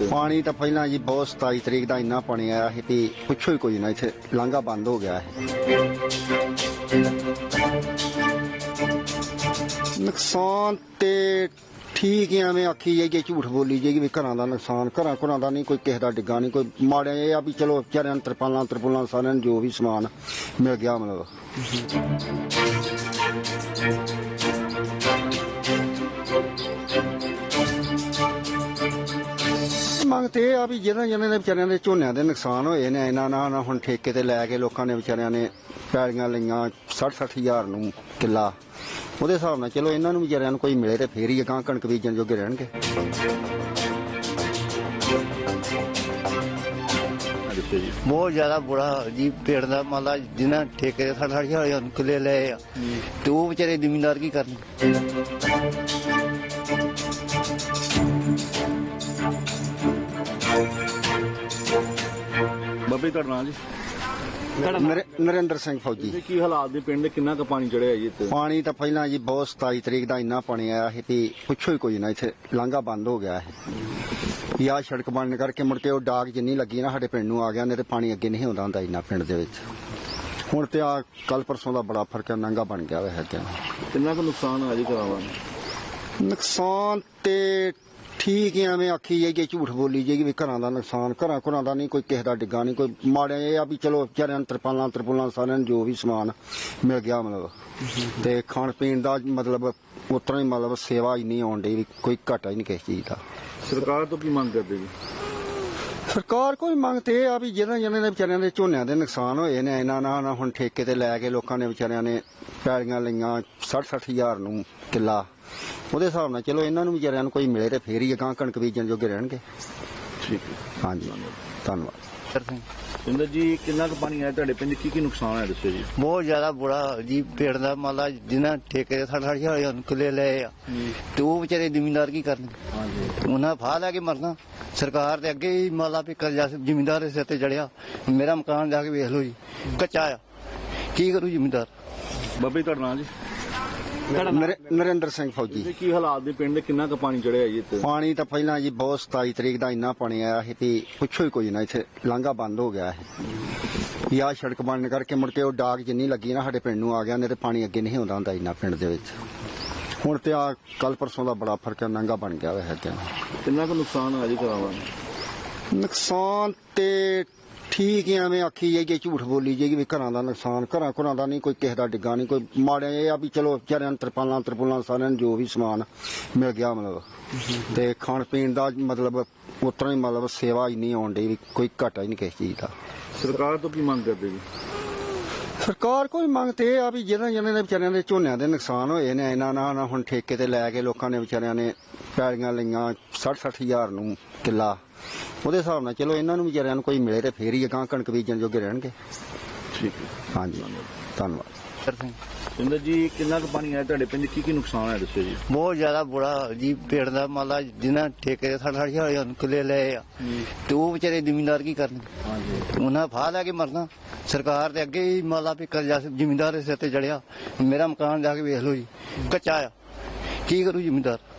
ਪਾਣੀ ਤਾਂ ਪਹਿਲਾਂ ਜੀ ਬਹੁਤ 27 ਤਰੀਕ ਦਾ ਇੰਨਾ ਪਾਣੀ ਆਇਆ ਸੀ ਵੀ ਪੁੱਛੋ ਹੀ ਕੋਈ ਨਾ, ਇੱਥੇ ਲਾਂਘਾ ਬੰਦ ਹੋ ਗਿਆ ਹੈ। ਨੁਕਸਾਨ ਤੇ ਠੀਕ ਹੈ, ਐਵੇਂ ਆਖੀ ਜਾਈਏ, ਝੂਠ ਬੋਲੀ ਜਾਈਏ ਵੀ ਘਰਾਂ ਦਾ ਨੁਕਸਾਨ, ਘਰਾਂ ਦਾ ਨਹੀਂ, ਕੋਈ ਕਿਸੇ ਦਾ ਡਿੱਗਾ ਨਹੀਂ, ਕੋਈ ਮਾੜਾ ਇਹ ਆ ਵੀ ਚਲੋ ਵਿਚਾਰਿਆਂ ਨੂੰ ਤਰਪਾਲਾਂ ਸਾਰਿਆਂ ਨੂੰ ਜੋ ਵੀ ਸਮਾਨ ਮਿਲ ਗਿਆ ਮਤਲਬ। ਮੰਗ ਤੇ ਇਹ ਆ ਵੀ ਜਿਹਨਾਂ ਦੇ ਵਿਚਾਰਿਆਂ ਦੇ ਝੋਨਿਆਂ ਦੇ ਨੁਕਸਾਨ ਹੋਏ ਨੇ, ਇਹਨਾਂ ਨਾਲ ਹੁਣ ਠੇਕੇ ਤੇ ਲੈ ਕੇ ਲੋਕਾਂ ਨੇ ਵਿਚਾਰਿਆਂ ਨੇ ਪੈਲੀਆਂ ਲਈਆਂ 60-60 ਹਜ਼ਾਰ ਨੂੰ ਕਿੱਲਾ, ਉਹਦੇ ਹਿਸਾਬ ਨਾਲ ਚਲੋ ਇਹਨਾਂ ਨੂੰ ਵਿਚਾਰਿਆਂ ਨੂੰ ਕੋਈ ਮਿਲੇ ਤੇ ਫੇਰ ਹੀ ਅਗਾਂਹ ਕਣਕ ਬੀਜਣ ਜੋਗੇ ਰਹਿਣਗੇ। ਬਹੁਤ ਜ਼ਿਆਦਾ ਬੁਰਾ ਜੀ ਪੇੜ ਦਾ ਮਾਲਾ ਜਿਹਨਾਂ ਠੇਕੇ ਦੇ 60-60 ਹਜ਼ਾਰ ਕਿੱਲੇ ਲਏ ਆ ਤੇ ਉਹ ਵਿਚਾਰੇ ਜ਼ਿਮੀਂਦਾਰ ਕੀ ਕਰਨ। ਬਾਬੇ ਤੁਹਾਡਾ ਨਾਂ ਜੀ? ਨਰਿੰਦਰ ਸਿੰਘ ਫੌਜੀ। ਕੀ ਹਾਲਾਤ ਦੇ ਪਿੰਡ, ਕਿੰਨਾ ਕੁ ਪਾਣੀ ਚੜਿਆ ਜੀ ਇੱਥੇ? ਪਾਣੀ ਤਾਂ ਪਹਿਲਾਂ ਜੀ ਬਹੁਤ 27 ਤਰੀਕ ਦਾ ਇੰਨਾ ਪਾਣੀ ਆਇਆ ਸੀ ਵੀ ਪੁੱਛੋ ਹੀ ਕੋਈ ਨਾ, ਇੱਥੇ ਲਾਂਘਾ ਬੰਦ ਹੋ ਗਿਆ ਹੈ। ਆਹ ਸੜਕ ਬਣਨ ਕਰਕੇ ਮੁੜ ਕੇ ਉਹ ਡਾਕ ਜਿੰਨੀ ਲੱਗੀ ਨਾ ਸਾਡੇ ਪਿੰਡ ਨੂੰ ਆ ਗਿਆ, ਨਹੀਂ ਤੇ ਪਾਣੀ ਅੱਗੇ ਨਹੀਂ ਆਉਂਦਾ ਹੁੰਦਾ ਇੰਨਾ ਪਿੰਡ ਦੇ ਵਿੱਚ। ਹੁਣ ਤੇ ਆ ਕੱਲ ਪਰਸੋਂ ਦਾ ਬੜਾ ਫਰਕ ਹੈ, ਨਾਂਗਾ ਬਣ ਗਿਆ ਹੋਇਆ ਹੈ। ਕਿੰਨਾ ਕੁ ਨੁਕਸਾਨ ਆ ਜੀ ਕਰਾਵਾ? ਨੁਕਸਾਨ ਤੇ ਠੀਕ ਹੈ, ਐਵੇਂ ਆਖੀ ਜਾਈਏ, ਝੂਠ ਬੋਲੀ ਜਾਈਏ ਵੀ ਘਰਾਂ ਦਾ ਨੁਕਸਾਨ, ਘਰਾਂ ਦਾ ਨਹੀਂ, ਕੋਈ ਕਿਸੇ ਦਾ ਡਿੱਗਾ ਨਹੀਂ, ਕੋਈ ਮਾੜਾ ਇਹ ਆ ਵੀ ਚਲੋ ਵਿਚਾਰਿਆਂ ਨੂੰ ਤਰਪਾਲਾਂ ਸਾਰਿਆਂ ਨੂੰ ਜੋ ਵੀ ਸਮਾਨ ਮਿਲ ਗਿਆ ਮਤਲਬ। ਤੇ ਖਾਣ ਪੀਣ ਦਾ ਮਤਲਬ ਉਤਰਾ ਹੀ ਮਤਲਬ ਸੇਵਾ ਇੰਨੀ ਆਉਣ ਡਈ ਵੀ ਕੋਈ ਘਾਟਾ ਹੀ ਨਹੀਂ ਕਿਸੇ ਚੀਜ਼ ਦਾ। ਸਰਕਾਰ ਤੋਂ ਕੀ ਮੰਗ ਕਰਦੇ ਜੀ? ਸਰਕਾਰ ਕੋਈ ਮੰਗ ਤੇ ਇਹ ਆ ਵੀ ਜਿਹਨਾਂ ਦੇ ਵਿਚਾਰਿਆਂ ਦੇ ਝੋਨਿਆਂ ਦੇ ਨੁਕਸਾਨ ਹੋਏ ਨੇ, ਇਹਨਾਂ ਨਾਲ ਹੁਣ ਠੇਕੇ ਤੇ ਲੈ ਕੇ ਲੋਕਾਂ ਨੇ ਵਿਚਾਰਿਆਂ ਨੇ ਪੈਲੀਆਂ ਲਈਆਂ 60-60 ਹਜ਼ਾਰ ਨੂੰ ਕਿੱਲਾ, ਉਹਦੇ ਹਿਸਾਬ ਨਾਲ ਚਲੋ ਇਹਨਾਂ ਨੂੰ ਵਿਚਾਰਿਆਂ ਨੂੰ ਕੋਈ ਮਿਲੇ ਤੇ ਫੇਰ ਹੀ ਅਗਾਂਹ ਕਣਕ ਬੀਜਣ ਜੋਗੇ ਰਹਿਣਗੇ। ਠੀਕ ਹੈ, ਹਾਂਜੀ, ਧੰਨਵਾਦ। ਸਿੰਦਰ ਜੀ, ਕਿੰਨਾ ਕੁ ਪਾਣੀ ਆਇਆ ਤੁਹਾਡੇ ਪਿੰਡ, ਕੀ ਨੁਕਸਾਨ ਹੈ ਦੱਸੋ ਜੀ? ਬਹੁਤ ਜ਼ਿਆਦਾ ਬੁਰਾ ਜੀ ਪੇੜ ਦਾ ਮਾਲਾ ਜਿਹਨਾਂ ਠੇਕੇ ਦੇ 60-60 ਹਜ਼ਾਰ ਕਿੱਲੇ ਲਏ ਆ ਤੇ ਉਹ ਵਿਚਾਰੇ ਜ਼ਿਮੀਂਦਾਰ ਕੀ ਕਰਨ। ਉਹਨਾਂ ਫਾਹ ਲੈ ਕੇ ਮਰਨਾ। ਸਰਕਾਰ ਦੇ ਅੱਗੇ ਹੀ ਮਾਲਾ ਵੀ ਕਰਜ਼ਾ ਜ਼ਿਮੀਂਦਾਰ ਦੇ ਸਿਰ ਤੇ ਚੜਿਆ। ਮੇਰਾ ਮਕਾਨ ਜਾ ਕੇ ਵੇਖ ਲਓ ਜੀ, ਕੱਚਾ ਆ, ਕੀ ਕਰੂ ਜ਼ਿਮੀਂਦਾਰ। ਬਾਬੇ ਤੁਹਾਡਾ ਨਾਂ ਜੀ? ਨਰਿੰਦਰ ਸਿੰਘ ਫੌਜੀ। ਕੀ ਹਾਲਾਤ ਦੇ ਪਿੰਡ, ਕਿੰਨਾ ਕੁ ਪਾਣੀ ਚੜਿਆ ਜੀ ਇੱਥੇ? ਪਾਣੀ ਤਾਂ ਪਹਿਲਾਂ ਜੀ ਬਹੁਤ 27 ਤਰੀਕ ਦਾ ਇੰਨਾ ਪਾਣੀ ਆਇਆ ਸੀ ਵੀ ਪੁੱਛੋ ਹੀ ਕੋਈ ਨਾ, ਇੱਥੇ ਲਾਂਘਾ ਬੰਦ ਹੋ ਗਿਆ ਹੈ। ਆਹ ਸੜਕ ਬਣਨ ਕਰਕੇ ਮੁੜ ਕੇ ਉਹ ਡਾਕ ਜਿੰਨੀ ਲੱਗੀ ਨਾ ਸਾਡੇ ਪਿੰਡ ਨੂੰ ਆ ਗਿਆ, ਨਹੀਂ ਤੇ ਪਾਣੀ ਅੱਗੇ ਨਹੀਂ ਆਉਂਦਾ ਹੁੰਦਾ ਇੰਨਾ ਪਿੰਡ ਦੇ ਵਿੱਚ। ਹੁਣ ਤੇ ਆ ਕੱਲ ਪਰਸੋਂ ਦਾ ਬੜਾ ਫਰਕ ਹੈ, ਨਾਂਗਾ ਬਣ ਗਿਆ ਹੋਇਆ ਹੈ। ਕਿੰਨਾ ਕੁ ਨੁਕਸਾਨ ਆ ਜੀ ਕਰਾਵਾ? ਨੁਕਸਾਨ ਤੇ ਠੀਕ ਹੈ, ਐਵੇਂ ਆਖੀ ਜਾਈਏ, ਝੂਠ ਬੋਲੀ ਜਾਈਏ ਵੀ ਘਰਾਂ ਦਾ ਨੁਕਸਾਨ, ਘਰਾਂ ਦਾ ਨਹੀਂ, ਕੋਈ ਕਿਸੇ ਦਾ ਡਿੱਗਾ ਨਹੀਂ, ਕੋਈ ਮਾੜਾ ਇਹ ਆ ਵੀ ਚਲੋ ਵਿਚਾਰਿਆਂ ਨੂੰ ਤਰਪਾਲਾਂ ਸਾਰਿਆਂ ਨੂੰ ਜੋ ਵੀ ਸਮਾਨ ਮਿਲ ਗਿਆ ਮਤਲਬ। ਤੇ ਖਾਣ ਪੀਣ ਦਾ ਮਤਲਬ ਉਤਰਾ ਹੀ ਮਤਲਬ ਸੇਵਾ ਇੰਨੀ ਆਉਣ ਡਈ ਵੀ ਕੋਈ ਘਾਟਾ ਹੀ ਨਹੀਂ ਕਿਸੇ ਚੀਜ਼ ਦਾ। ਸਰਕਾਰ ਤੋਂ ਕੀ ਮੰਗ ਕਰਦੇ ਜੀ? ਸਰਕਾਰ ਕੋਈ ਮੰਗ ਤੇ ਇਹ ਆ ਵੀ ਜਿਹਨਾਂ ਦੇ ਵਿਚਾਰਿਆਂ ਦੇ ਝੋਨਿਆਂ ਦੇ ਨੁਕਸਾਨ ਹੋਏ ਨੇ, ਇਹਨਾਂ ਨਾਲ ਹੁਣ ਠੇਕੇ ਤੇ ਲੈ ਕੇ ਲੋਕਾਂ ਨੇ ਵਿਚਾਰਿਆਂ ਨੇ ਪੈਲੀਆਂ ਲਈਆਂ 60-60 ਹਜ਼ਾਰ ਨੂੰ ਕਿੱਲਾ, ਉਹਦੇ ਹਿਸਾਬ ਨਾਲ ਚਲੋ ਇਹਨਾਂ ਨੂੰ ਵਿਚਾਰਿਆਂ ਨੂੰ ਕੋਈ ਮਿਲੇ ਤੇ ਫੇਰ ਹੀ ਅਗਾਂਹ ਕਣਕ ਬੀਜਣ ਜੋਗੇ ਰਹਿਣਗੇ। ਠੀਕ ਹੈ, ਹਾਂਜੀ, ਧੰਨਵਾਦ। ਸਿੰਦਰ ਜੀ, ਕਿੰਨਾ ਕੁ ਪਾਣੀ ਆਇਆ ਤੁਹਾਡੇ ਪਿੰਡ, ਕੀ ਨੁਕਸਾਨ ਹੈ ਦੱਸੋ ਜੀ? ਬਹੁਤ ਜ਼ਿਆਦਾ ਬੁਰਾ ਜੀ ਪੇੜ ਦਾ ਮਾਲਾ ਜਿਹਨਾਂ ਠੇਕੇ ਦੇ 60-60 ਹਜ਼ਾਰ ਕਿੱਲੇ ਲਏ ਆ ਤੇ ਉਹ ਵਿਚਾਰੇ ਜ਼ਿਮੀਂਦਾਰ ਕੀ ਕਰਨ। ਉਹਨਾਂ ਫਾਹ ਲੈ ਕੇ ਮਰਨਾ। ਸਰਕਾਰ ਦੇ ਅੱਗੇ ਹੀ ਮਾਲਾ ਵੀ ਕਰਜ਼ਾ ਜ਼ਿਮੀਂਦਾਰ ਦੇ ਸਿਰ ਤੇ ਚੜਿਆ। ਮੇਰਾ ਮਕਾਨ ਜਾ ਕੇ ਵੇਖ ਲਓ ਜੀ, ਕੱਚਾ ਆ, ਕੀ ਕਰੂ ਜ਼ਿਮੀਂਦਾਰ।